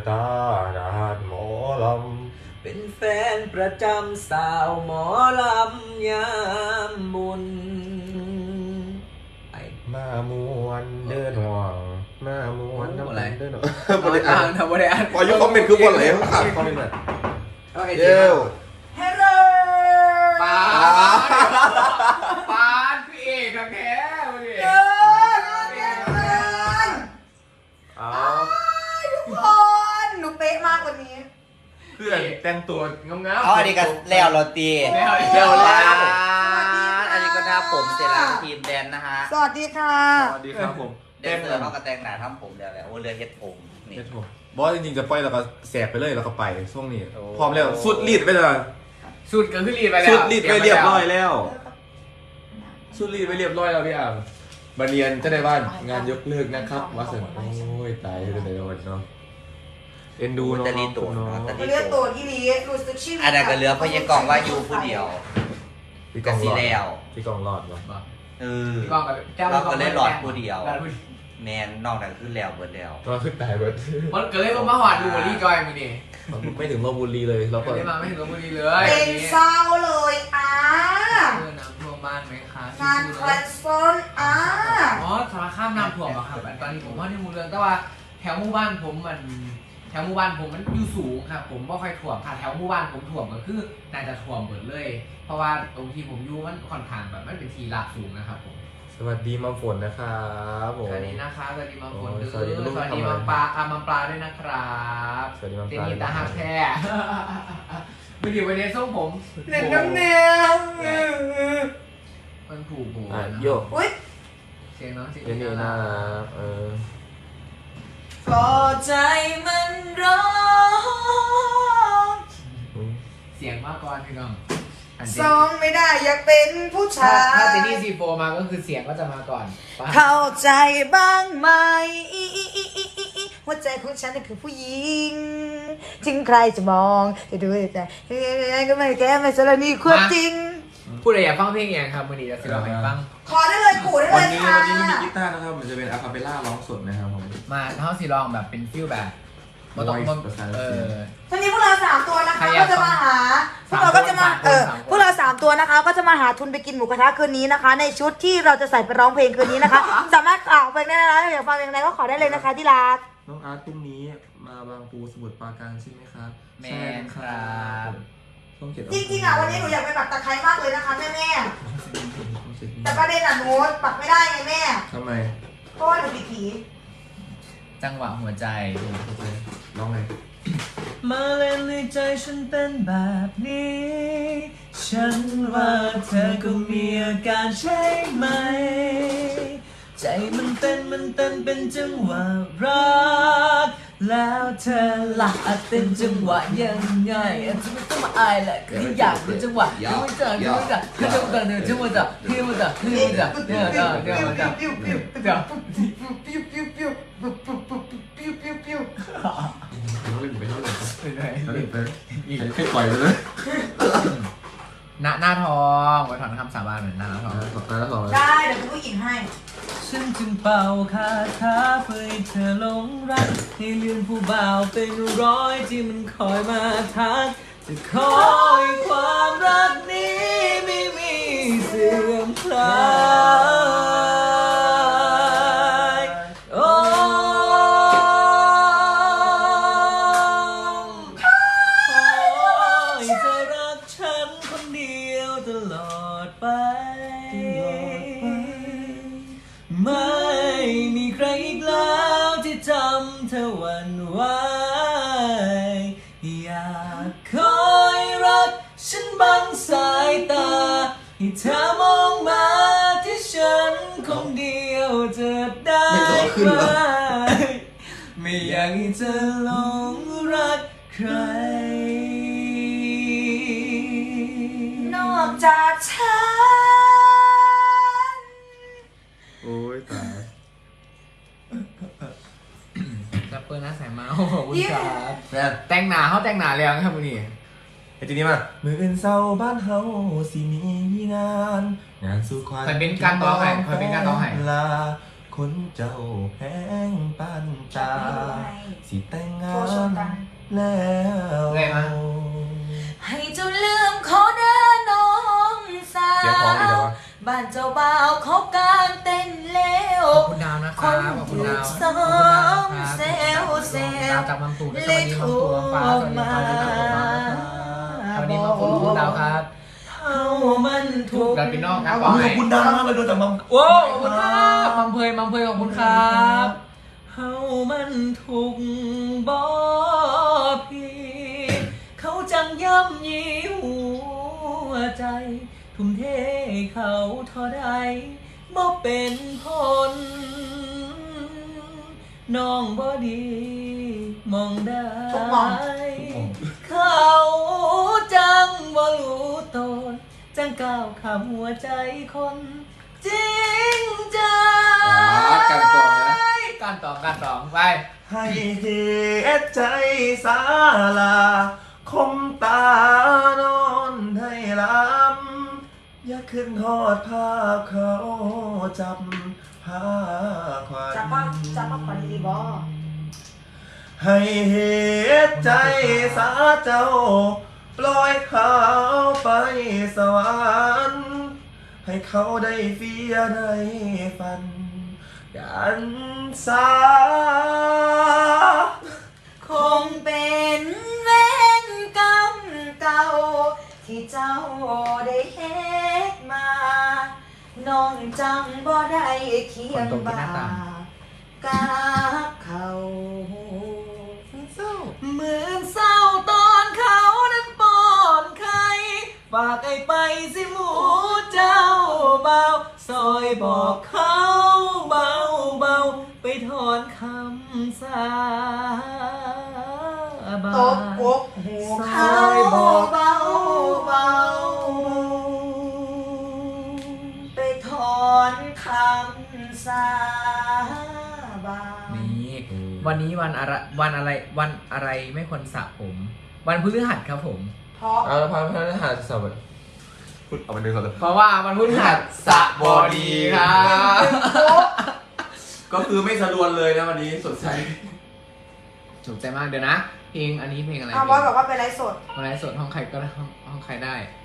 ตาดานหมอลำเป็นแฟนประจำสาวหมอลำยามบุญไอ้มามวนเดินห่วงมามวนน้ำเดินห่วงบริอ่านทำบริอ่านพอยุคคอมเมนต์คือบนไหนเขาขาดคอมเมนต์แบบเย้ฮัลโหลปาดพี่เอกกับแท้มาดิทุกคนหนูเป๊ะมากกว่านี้เพื่อนแต่งตัวงามๆอันนี้ก็แล้วเราตีแล้วอันนี้ก็หน้าผมเสร็จแล้วทีมแดนนะฮะสวัสดีค่ะสวัสดีครับผมเดนเซอร์เขาก็แต่งหน้าทำผมแล้วโอ้เรือเฮ็ดผมนี่บอสจริงๆจะปล่อยแล้วก็แสบไปเลยแล้วก็ไปช่วงนี้พร้อมแล้วสุดรีดไปเลยสุดก็คือรีดไปแล้วสุดรีดไปเรียบร้อยแล้วสุดรีดไปเรียบร้อยแล้วพี่อ่างมาเรียนจะได้บ้านงานยกเลิกนะครับว่าเสร็จโอ้ยตายจะได้วันเนาะเอ็นดูน้องเนาะเลือดตัวที่ลีรู้สึกชีวิตอันนั้นก็เหลือพยากรว่าอยู่ผู้เดียวพี่กองรอดพี่กองรอดวะเราก็เลยหลอดผู้เดียวแมนนอกนั้นคือแล้วเบิดแล้วก็ขึ้นตายเบิดมันก็เลยมาหอดดูรีจอยมึงดิไม่ถึงลพบุรีเลยเราก็ไม่ถึงลพบุรีเลยเป็นเศร้าเลยน้ำท่วมบ้านไหมคะงานคอนเสิร์ตอ๋อสารข้ามน้ำท่วมอะครับตอนนี้ผมว่าที่มูเรืองแต่ว่าแถวหมู่บ้านผมมันอยู่สูงครับผมไม่ค่อยท่วมค่ะแถวหมู่บ้านผมท่วมก็คือน่าจะท่วมหมดเลยเพราะว่าตรงที่ผมอยู่มันค่อนข้างแบบมันเป็นที่ราบสูงนะครับผมสวัสดีมัมฝนนะครับผมสวัสดีนะคะสวัสดีมัมฝนสวัสดีมัมปลามัมปลาด้วยนะครับสวัสดีมัมปลาเจนี่ตาหักแท้ไม่ดีวันนี้ส่งผมเล่นน้ำเนียงมันผูกโบโยกเสียงน้องเสียงนี่น่าก็ใจมันร้องเสียงมากกว่าพี่น้องซองไม่ได้อยากเป็นผู้ชายถ้าเจนี่ซีโฟมาก็คือเสียงก็จะมาก่อนเข้าใจบ้างไหมว่าใจของฉันคือผู้หญิงถึงใครจะมองจะดูแต่ก็ไม่แก้ไม่สารนี่ความจริงพูดอะไรอยากฟังเพลงอย่างครับวันนี้จะสิเราให้ฟังขอได้เลยขู่ได้เลยค่ะวันนี้ไม่มีกีตาร์นะครับมันจะเป็นอะคาเปล่าร้องสดนะครับผมมาเท่าสิลองแบบเป็นฟิลแบบทีนี้พวกเรา3ตัวนะคะก็จะมาหาพวกเราก็จะมาพวกเรา3ตัวนะคะก็จะมาหาทุนไปกินหมูกระทะคืนนี้นะคะในชุดที่เราจะใส่ไปร้องเพลงคืนนี้นะคะสามารถเพลงได้นะอยากฟังเพลงอะไรก็ขอได้เลยนะคะที่รักน้องอาร์ตพรุ่งนี้มาบางปูสมุทรปราการใช่ไหมครับแม่ครับจริงๆวันนี้หนูอยากไปปักตะไคร้มากเลยนะคะแม่แต่ประเด็นหนูปักไม่ได้ไงแม่ทำไมเพราะว่าหนูผิดผีจังหวะหัวใจร้องไงมาเล่นในใจฉันเป็นแบบนี้ฉันว่าเธอก็มีอาการใช่ไหมใจมันเต้นเป็นจังหวะรักแล้วเธอล่ะเต้นจังหวะยังไงจะไม่ต้องมาอายแหละคืออยากเป็นจังหวะยังไม่จังคือจังหวะเนี่ยจังหวะจ้ะเดี๋ยวให้ปล่อยเลยหน้าทองไว้ถอนคำสาบานเหมือนหน้าทองได้เดี๋ยวคุณผู้หญิงให้ฉันจึงเป่าคาถาเพื่อให้เธอหลงรักให้เลือนผู้บ่าวเป็นร้อยที่มันคอยมาทักจะคอยความรักนี้ไม่มีเสื่อมคลายโอ้ยจะรักฉันคนเดียวตลอดไปไม่มีใครอีกแล้วที่จำเธอหวั่นไหวอยากคอยรักฉันบังสายตาให้เธอมองมาที่ฉันคนเดียวจะได้ไหมไม่อยากให้เธอหลงรักใครนอกจากฉันโอ้ยตายจะเปิดหน้าสายมาขอบคุณครับแต่งหนาเขาแต่งหนาแล้วครับวันนี้ไอ้ทีนี้มามืออื่นเศร้าบ้านเฮาสิมีงานสู่ควายเป็นการต่อให้ลาคนเจ้าแพงปานตาสิแต่งงาโทรชนกันนแล้วไงมาให้เจ้าลืมเขาเด้อน้องสาเสียงพร้อมดีจังววะบ้านเจ้าบ่าวเขากางเต้นแล้วขอบคุณดาวนะคครันบขอบคุณถูดาก วซ้อมเซลเซดาลวจากมังตูด้วยสวัสดีมังตูฟ้าสวัสดีครับสวัสดีมังตูดาวครับเฮามันถูกกันพี่น้องครับขอบคุณดาวมากเลยโดนจากมัมโอ้ขอบคุณครับมัมเพยขอบคุณครับเฮามันถูกบ่พี่เขาจังย่ำยีหัวใจทุ่มเทเขาเท่าใดบ่เป็นผลน้องบ่ดีมองได้ทุกมองเขาจังบ่รู้ตนจังก้าวข้ามหัวใจคนจริงใจการตองนะการตองไปให้เหตุใจสาลาคมตานอนให้ลำอย่าขึ้นทอดภาพเขาจับผ้าควันจับป้าขวัญดีบอให้เหตุใจสาเจ้าปล่อยเขาไปสวรรค์ให้เขาได้เฟียได้ฟันกันสาคงเป็นเวรกรรมเก่า ที่เจ้าได้เฮ็ดมา น้องจังบ่ได้เคียงบ่ากาเขาเหมือนเศร้าตอนเขานั้นป้อนไข่ฝากไอ้ไปสิหมูเจ้าเบาซอยบอกเขาเบาไปถอนคำสาบานตบอกหูเขาบอกเบาไปถอนคำสาบานนี่วันนี้วันอะไรไม่ควรสระผม วันพฤหัสครับผมเพราะเอาละพันพฤหัสสบดีพูดเอาไปหนึ่งก่อนเลยเพราะว่าวันพฤหัสสระบอดีครับก็คือไม่สะดวนเลยนะวันนี้สดใสถูกใจมากเดี๋ยวนะเพลงอันนี้เพลงอะไรบอสบอกว่าเป็นไลฟ์สดมาไลฟ์สดห้องใครก็ได้ห้องใครได้